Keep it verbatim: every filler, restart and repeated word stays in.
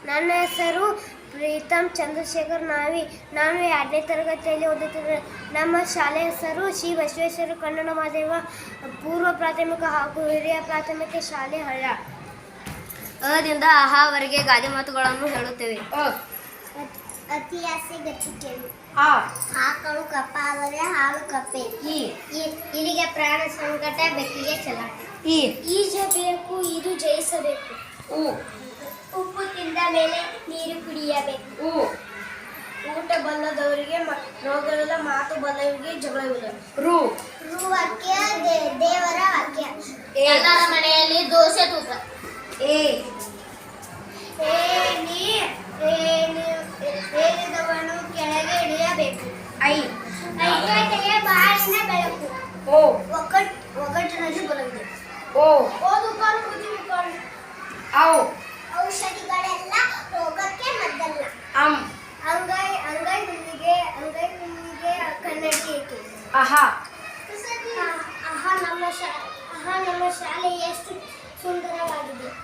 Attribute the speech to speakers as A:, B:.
A: ನನ್ನ ಹೆಸರು ಪ್ರೀತಮ್ ಚಂದ್ರಶೇಖರ್ ನಾವಿ. ನಾನು ಎರಡನೇ ತರಗತಿಯಲ್ಲಿ ಓದುತ್ತಿದ್ದೆ. ನಮ್ಮ ಶಾಲೆ ಹೆಸರು ಶ್ರೀ ಬಸವೇಶ್ವರ ಕನ್ನಡ ಮಾಧ್ಯಮ ಪೂರ್ವ ಪ್ರಾಥಮಿಕ ಹಾಗೂ ಹಿರಿಯ ಪ್ರಾಥಮಿಕ ಶಾಲೆ ಹಳ್ಳ. ಅದಿಂದ ಅಹಾವರೆಗೆ ಗಾದೆ ಮಾತುಗಳನ್ನು ಹೇಳುತ್ತೇವೆ. ಅತಿ ಆಸೆ ಗತಿ ಕೇಳು. ಆಕಳು ಕಪ್ಪ ಆದರೆ ಹಾಲು ಕಪ್ಪೆ. ಇಲ್ಲಿಗೆ ಪ್ರಾಣ ಸಂಕಟ ಬೆಕ್ಕಿಗೆ ಛಲ. ಈಜಬೇಕು ಇದು ಜಯಿಸಬೇಕು. ಉಪ್ಪು ತಿಂದ ಮೇಲೆ ನೀರು ಕುಡಿಯಬೇಕು. ಊಟ ಬಲ್ಲದವರಿಗೆ ರೋಗವಿಲ್ಲ, ಮಾತು ಬಲ್ಲವರಿಗೆ ಜಗಳವಿಲ್ಲ. ರು ರು ವಾಕ್ಯ ದೇವರ ವಾಕ್ಯ. ಎಲ್ಲರ ಮನೆಯಲ್ಲಿ ದೋಸೆ ತೂಕ. ಏ ಏನಿದವನು ಕೆಳಗೆ ಇಳಿಯಬೇಕು. ಐ ಐಕಟ್ಟಿಗೆ ಬಾಳಿನ ಬೆಳಕು. ಓ ಒಗ್ಗಟ್ಟು ಒಗ್ಗಟ್ಟಿನಲ್ಲಿ ಬಲವಿದೆ. ಓ ಓದು ಕಾಲು ಬುದ್ಧಿ ಕಾಲು. ಔ ಔಷಧಿಗಳೆಲ್ಲ ರೋಗಕ್ಕೆ ಮದ್ದಲ್ಲ. ಅಂ ಅಂಗೈ ಅಂಗೈ ಹುಲ್ಲಿಗೆ ಅಂಗೈ ಹುಲ್ಲಿಗೆ ಕನ್ನಡಿ ಏಕೆ. ಆಹಾ ಆಹಾ ನಮ್ಮ ಶಾ ಆಹಾ ನಮ್ಮ ಶಾಲೆ ಎಷ್ಟು ಸುಂದರವಾಗಿದೆ.